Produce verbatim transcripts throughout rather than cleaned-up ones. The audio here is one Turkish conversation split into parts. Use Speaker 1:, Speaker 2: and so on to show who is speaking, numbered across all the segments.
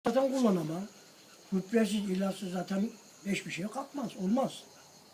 Speaker 1: Zaten kullanamam. Gübresiz, ilaçsız zaten hiçbir şey kalkmaz, olmaz.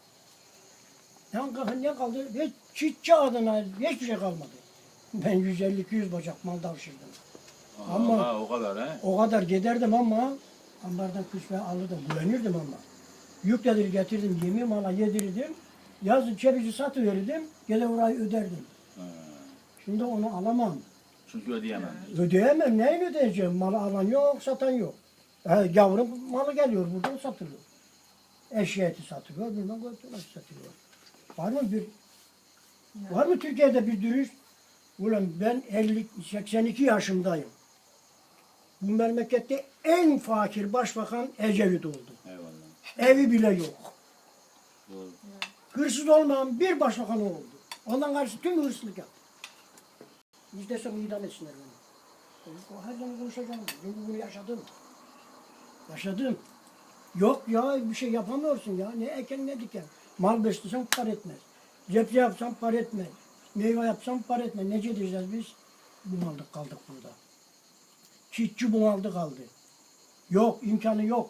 Speaker 1: Ne, ne kaldı? Hiç çiftçi adına hiçbir şey kalmadı. Ben yüz elli iki yüz bacak mal davşırdım. Ama
Speaker 2: Allah, o kadar he?
Speaker 1: o kadar giderdim ama ambardan küsme alırdım, güvenirdim ama. Yükledir getirdim, yemeği mala yedirirdim. Yazın cebici satıverirdim, gene orayı öderdim.
Speaker 2: He.
Speaker 1: Şimdi onu alamam.
Speaker 2: Çünkü ödeyemem.
Speaker 1: Ödeyemem, neyin ödeyeceğim? Malı alan yok, satan yok. He, gavurun malı geliyor, buradan satılıyor. Eşya eti satılıyor, buradan götürmek satılıyor. Var mı bir, var mı Türkiye'de bir dürüst? Ulan ben elli seksen iki yaşındayım. Bu memlekette en fakir başbakan Ecevit oldu.
Speaker 2: Eyvallah.
Speaker 1: Evi bile yok.
Speaker 2: Doğru.
Speaker 1: Hırsız olmayan bir başbakan oldu. Ondan karşı tüm hırsızlık yaptı. Biz de sonra idam etsinler beni. O her zaman konuşacağım. Çünkü bunu yaşadım. Yaşadım. Yok ya bir şey yapamıyorsun ya. Ne eken ne diken. Mal beslesen par etmez. Cepse yapsam par etmez. Meyve yapsam par etmez. Nece diyeceğiz biz? Bunaldık kaldık burada. Çiftçi bunaldı kaldı. Yok imkanı yok.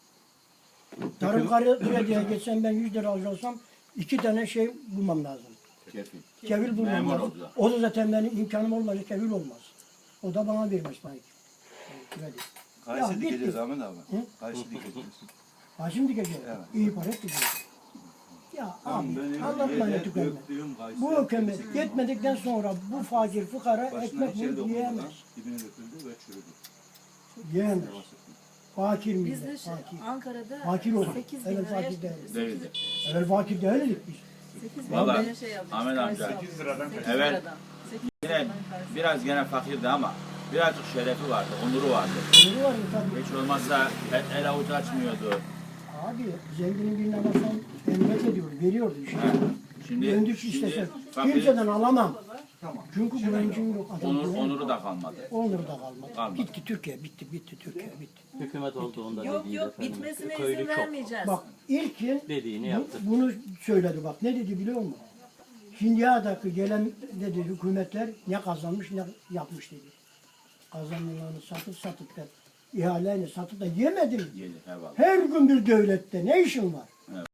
Speaker 1: Tarım krediye geçsem ben yüz lira alacaksam iki tane şey bulmam lazım.
Speaker 2: Kefil.
Speaker 1: Kevil bulmam
Speaker 2: Memur
Speaker 1: lazım.
Speaker 2: olacak.
Speaker 1: O da zaten benim imkanım olmayacak, kevil olmaz. O da bana vermez belki. Kredi.
Speaker 3: Kayısı
Speaker 1: Ya,
Speaker 3: dikeceğiz
Speaker 1: bitti.
Speaker 3: Ahmet abi.
Speaker 1: Hı?
Speaker 3: Kayısı dikeceğiz.
Speaker 1: Ha şimdi gece.
Speaker 3: Evet.
Speaker 1: İyi para diyeceğiz. Ya
Speaker 3: Tamam,
Speaker 1: abi
Speaker 3: benim
Speaker 1: anlatma ne
Speaker 3: yerde
Speaker 1: tükenme.
Speaker 3: döktüğüm kayısı
Speaker 1: Bu hükümet
Speaker 3: hepsi
Speaker 1: yetmedikten sonra bu fakir fukara
Speaker 3: başına
Speaker 1: ekmek
Speaker 3: içeri
Speaker 1: bulup
Speaker 3: dokundu
Speaker 1: yiyemez.
Speaker 3: lan, dibine döküldü ve çürüdü.
Speaker 1: Yiyemez.
Speaker 3: Yavaş sıktım.
Speaker 1: Fakir
Speaker 4: Biz
Speaker 1: millet,
Speaker 4: de şey,
Speaker 1: fakir.
Speaker 4: Ankara'da
Speaker 1: Fakir olduk.
Speaker 4: sekiz bin
Speaker 1: Evet,
Speaker 4: liraya
Speaker 1: fakir değiliz.
Speaker 2: Değildi.
Speaker 1: Evvel fakir değildik biz.
Speaker 4: sekiz bin
Speaker 2: Vallahi,
Speaker 4: liraya şey aldık.
Speaker 2: Ahmet amca,
Speaker 4: karşı aldık.
Speaker 5: sekiz liradan
Speaker 4: sekiz
Speaker 2: Evet.
Speaker 4: liradan. sekiz
Speaker 2: Yine
Speaker 4: liradan karşı.
Speaker 2: biraz gene fakirdi ama birazcık şerefi vardı, onuru vardı.
Speaker 1: Onuru var mı tabii.
Speaker 2: Hiç olmazsa el, el avuç açmıyordu.
Speaker 1: Abi zenginin birine alırsan emret ediyor, veriyordu işte.
Speaker 2: Ha. Şimdi,
Speaker 1: Güvendik
Speaker 2: şimdi
Speaker 1: istesen.
Speaker 2: fakir,
Speaker 1: Kimseden alamam.
Speaker 3: Tamam.
Speaker 1: Çünkü güvencim yok. Adam
Speaker 2: onur,
Speaker 1: güven-
Speaker 2: onuru da kalmadı.
Speaker 1: Onur da kalmadı.
Speaker 2: Kalmadı.
Speaker 1: Bitti Türkiye, bitti, bitti Türkiye, bitti.
Speaker 5: Hükümet olduğunda
Speaker 4: Yok
Speaker 5: dediği
Speaker 4: yok
Speaker 5: efendim,
Speaker 4: bitmesine
Speaker 5: köylü
Speaker 4: izin
Speaker 5: çok.
Speaker 4: vermeyeceğiz.
Speaker 1: Bak ilkin
Speaker 5: Dediğini
Speaker 1: bu-
Speaker 5: yaptı.
Speaker 1: bunu söyledi bak. Ne dedi biliyor musun? Hindia'daki gelen dedi hükümetler ne kazanmış ne yapmış dedi. Kazanımlarını satıp satıp da ihaleni satıp da yemedin.
Speaker 2: Yedi, eyvallah.
Speaker 1: Her gün bir devlette ne işin var?